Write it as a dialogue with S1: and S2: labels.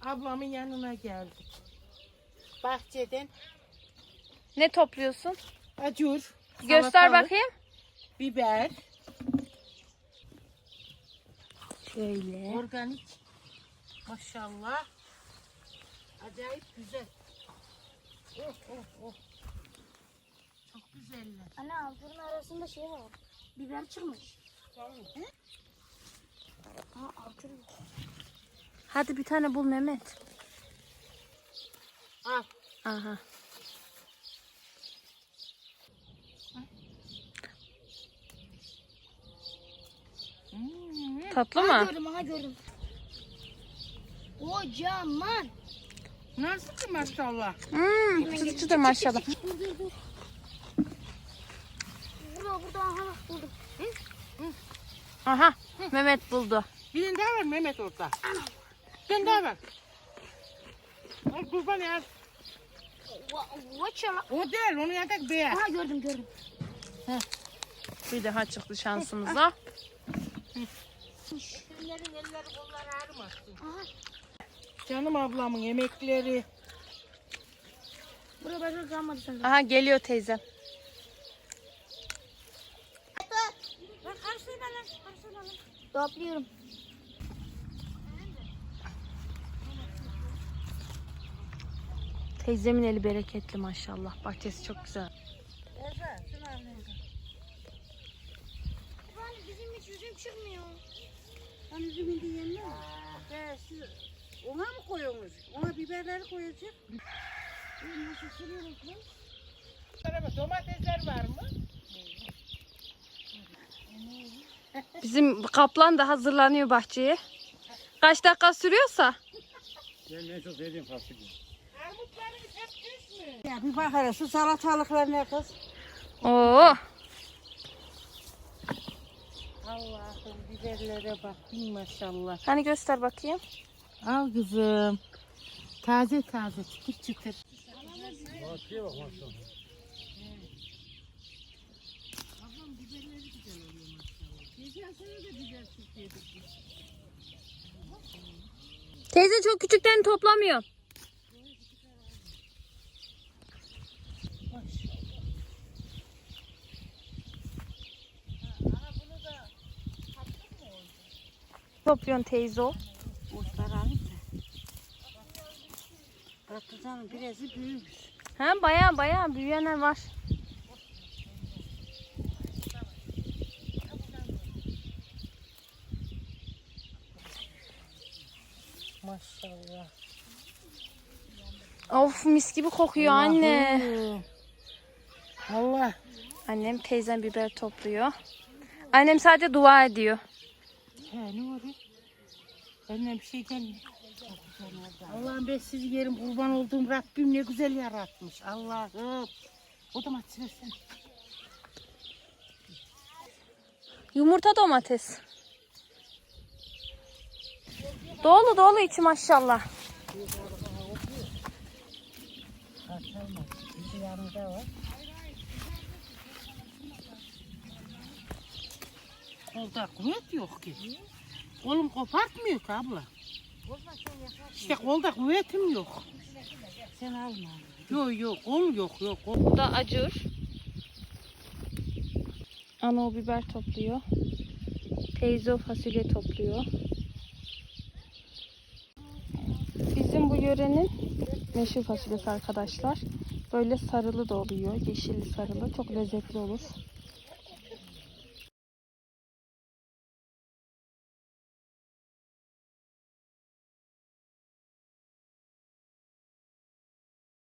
S1: Ablamın yanına geldik. Bahçeden
S2: Ne topluyorsun?
S1: acur,
S2: Göster
S1: salatalık,
S2: bakayım.
S1: biber,
S2: Şöyle.
S1: organik. Maşallah. Acayip güzel. Oh oh oh. Çok güzeller.
S3: Anne altının arasında şey var. Biber çıkmış. Altın.
S2: Hadi bir tane bul Mehmet.
S1: Al.
S2: Aha. Tatlı
S3: Aha
S2: mı?
S3: gördüm, aha gördüm. Kocaman.
S1: Nasıl ki maşallah?
S2: Çıtır çıtır maşallah.
S3: Dur. Burada aha buldum.
S2: Aha. Mehmet buldu.
S1: Birini daha ver Mehmet orada. Birini daha ver. Al kurban ya.
S3: Vaçala.
S1: O değil, onu yatak beyaz.
S3: Aha gördüm.
S2: Bir daha çıktı şansımıza.
S1: Kimlerin elleri kolları ağrımasın.
S3: Aha.
S1: Canım ablamın emekleri.
S3: Burada başka kalmadı sanırım.
S2: Aha geliyor teyzem.
S1: Lan karşıyla lan.
S3: Topluyorum.
S2: Teyzemin eli bereketli maşallah. Bahçesi çok güzel.
S3: Bizim hiç üzüm çıkmıyor.
S1: Lan üzümün de yenmez. Siz ona mı koyuyorsunuz? Ona biberleri koyacak.
S3: Nasıl sürüyoruz lan?
S1: Domatesler var mı?
S2: Bizim kaplan da hazırlanıyor bahçeye. Kaç dakika sürüyorsa.
S4: Ben en çok sevdiğim fasulye.
S1: Armutlarınız hep düz mü?
S5: Ya bir bak hele şu salatalıklar ne kız?
S2: Oo.
S1: Allah'ım biberlere bak bin maşallah.
S2: Hani göster bakayım.
S1: Al kızım. Taze çıtır çıtır.
S4: Fasulye bak maşallah.
S2: Teyze çok küçükten toplamıyor. Topluyorsun teyze o.
S5: Otlar alayım da. Patlıcanın birazı büyümüş.
S2: Ha baya büyüyenler var.
S1: Maşallah.
S2: Of mis gibi kokuyor anne.
S1: Allah.
S2: Annem teyzem biber topluyor. Annem sadece dua ediyor.
S1: He ne oluyor? Benden bir şey gelmiyor. Allah'ım ben sizi yerim kurban olduğum Rabbim ne güzel yaratmış. Allah'ım. O domates versene.
S2: Yumurta domates. Dolu içi maşallah.
S1: Bir yanında var. Kolda kuvvet yok ki. Kolum kopartmıyor ki abla. İşte kolda kuvvetim yok.
S5: Sen alma.
S1: Yok kol yok.
S2: Bu da acur. Ana o biber topluyor. Teyze o fasulye topluyor. Bizim bu yörenin meşhur fasulyesi arkadaşlar. Böyle sarılı da oluyor. Yeşilli sarılı. Çok lezzetli olur.